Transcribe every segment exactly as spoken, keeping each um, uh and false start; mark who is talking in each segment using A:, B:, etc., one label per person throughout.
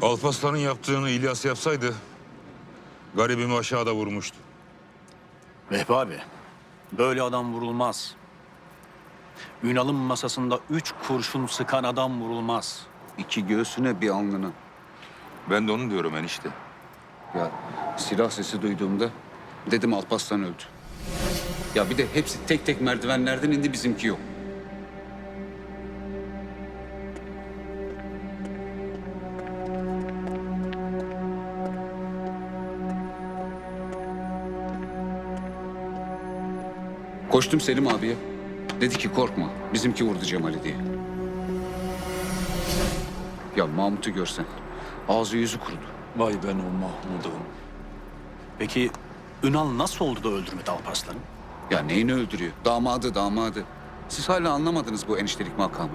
A: Alparslan'ın yaptığını İlyas yapsaydı garibimi aşağıda vurmuştu.
B: Vehbi abi, böyle adam vurulmaz. Ünal'ın masasında üç kurşun sıkan adam vurulmaz.
C: İki göğsüne bir alnına.
A: Ben de onu diyorum enişte.
C: Ya silah sesi duyduğumda dedim Alparslan öldü. Ya bir de hepsi tek tek merdivenlerden indi, bizimki yok. Koştum Selim abiye. Dedi ki korkma, bizimki vurdu Cemal'i diye. Ya Mahmut'u görsen, ağzı yüzü kurudu.
D: Vay ben o Mahmud'um.
B: Peki Ünal nasıl oldu da öldürmedi Alparslan'ı?
C: Ya neyini öldürüyor? Damadı, damadı. Siz hala anlamadınız bu eniştelik makamını.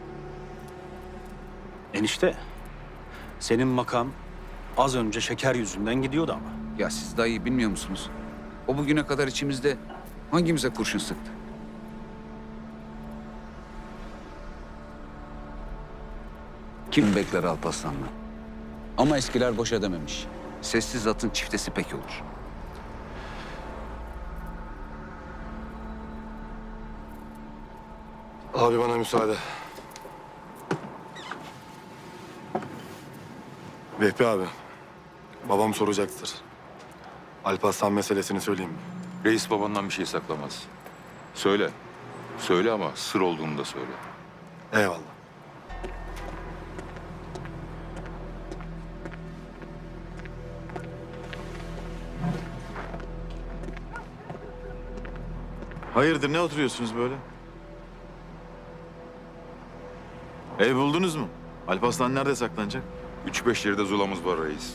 B: Enişte, senin makam az önce şeker yüzünden gidiyordu ama.
C: Ya siz daha iyi bilmiyor musunuz? O bugüne kadar içimizde hangimize kurşun sıktı? Kim bekler Alparslan'la? Ama eskiler boşa dememiş. Sessiz atın çiftesi pek olur.
E: Abi bana müsaade. Vehbi abi, babam soracaktır. Alparslan meselesini söyleyeyim mi?
A: Reis babandan bir şey saklamaz. Söyle. Söyle ama sır olduğunu da söyle.
E: Eyvallah.
F: Hayırdır, ne oturuyorsunuz böyle? Ev buldunuz mu? Alparslan nerede saklanacak?
A: Üç beş yerde zulamız var reis.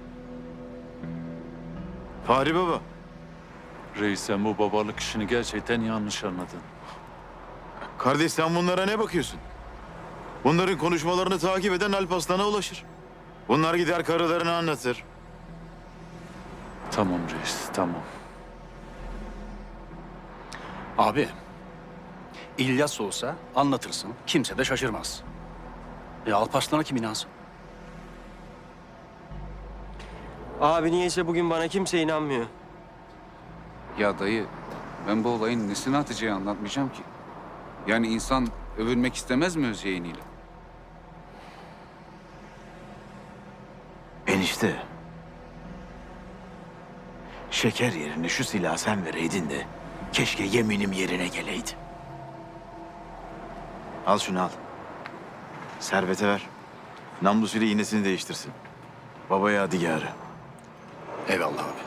F: Fahri Baba.
D: Reis sen bu babalık işini gerçekten yanlış anladın.
F: Kardeş sen bunlara ne bakıyorsun? Bunların konuşmalarını takip eden Alparslan'a ulaşır. Bunlar gider karılarını anlatır.
D: Tamam reis tamam.
B: Abi, İlyas olsa anlatırsın, kimse de şaşırmaz. E Alparslan'a kim inansın?
G: Abi niyeyse bugün bana kimse inanmıyor.
C: Ya dayı, ben bu olayın nesini Hatice'ye anlatmayacağım ki? Yani insan övülmek istemez mi öz yeğeniyle?
H: Enişte. Şeker yerine şu silahı sen vereydin de keşke yeminim yerine geleydi. Al şunu al. Servete ver. Namlusuyla iğnesini değiştirsin. Babaya yadigarı.
B: Eyvallah abi.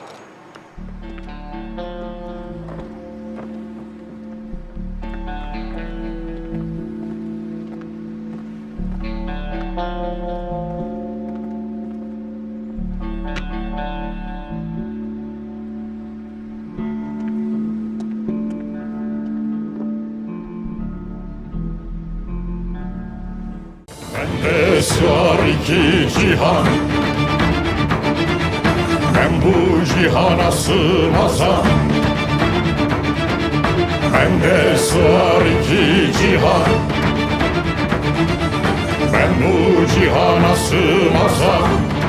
I: Bende sığar iki cihan, ben bu cihana sığmazam. Bende sığar iki cihan, ben bu cihana sığmazam.